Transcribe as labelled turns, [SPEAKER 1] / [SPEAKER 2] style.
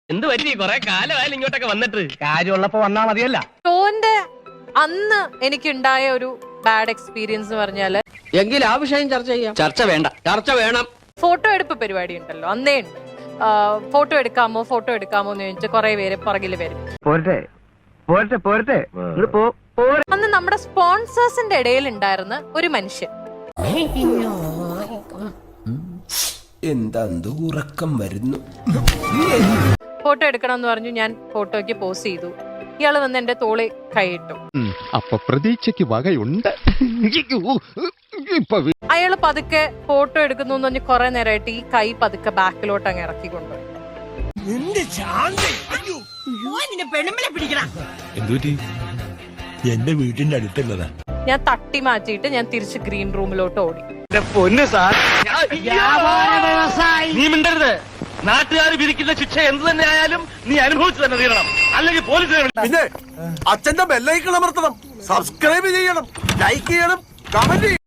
[SPEAKER 1] എന്ത് പറ്റി കൊറേ കാലമായാലും ഇങ്ങോട്ടൊക്കെ വന്നിട്ട്?
[SPEAKER 2] കാര്യമുള്ളപ്പോ വന്നാ മതിയല്ല.
[SPEAKER 3] ഷോന്റെ അന്ന് എനിക്കുണ്ടായ ഒരു ബാഡ് എക്സ്പീരിയൻസ് എന്ന് പറഞ്ഞാല്,
[SPEAKER 1] എങ്കിൽ ആ വിഷയം ചർച്ച ചെയ്യാം. ചർച്ച വേണ്ട, ചർച്ച വേണം.
[SPEAKER 3] ഫോട്ടോ എടുപ്പ് പരിപാടി ഉണ്ടല്ലോ, അന്നേ ഉണ്ട്. ഫോട്ടോ എടുക്കാമോ എന്ന് ചോദിച്ചാൽ കുറെ പേര് പുറകില് വരും. അന്ന് നമ്മുടെ സ്പോൺസേഴ്സിന്റെ ഇടയിൽ ഉണ്ടായിരുന്ന ഒരു മനുഷ്യൻ,
[SPEAKER 4] എന്താ ഉറക്കം വരുന്നു,
[SPEAKER 3] ഫോട്ടോ എടുക്കണം എന്ന് പറഞ്ഞു. ഞാൻ ഫോട്ടോയ്ക്ക് പോസ് ചെയ്തു. ഇയാള് വന്ന് എന്റെ തോളി കൈയിട്ടു.
[SPEAKER 5] അപ്പൊ പ്രതീക്ഷയ്ക്ക് വകയുണ്ട്.
[SPEAKER 3] അയാള് പതുക്കെ ഫോട്ടോ എടുക്കുന്നു എന്ന് പറഞ്ഞ് കുറെ നേരമായിട്ട് ഈ കൈ പതുക്കെ ബാക്കിലോട്ട് അങ്ങ് ഇറക്കിക്കൊണ്ടുപോയി.
[SPEAKER 6] എന്റെ വീട്ടിന്റെ അടുത്തുള്ളതാ.
[SPEAKER 3] ഞാൻ തട്ടി മാറ്റിയിട്ട് ഞാൻ തിരിച്ച് ഗ്രീൻ റൂമിലോട്ട് ഓടി.
[SPEAKER 1] പൊന്നു സാർ, നീ മിണ്ടരുത്. നാട്ടുകാർ വിധിക്കുന്ന ശിക്ഷ എന്ത് തന്നെ ആയാലും നീ അനുഭവിച്ചു തന്നെ തീരണം, അല്ലെങ്കിൽ പോലീസ്.
[SPEAKER 6] പിന്നെ അച്ഛന്റെ ബെല്ലൈക്കൺ അമർത്തണം, സബ്സ്ക്രൈബ് ചെയ്യണം, ലൈക്ക് ചെയ്യണം, കമന്റ് ചെയ്യണം.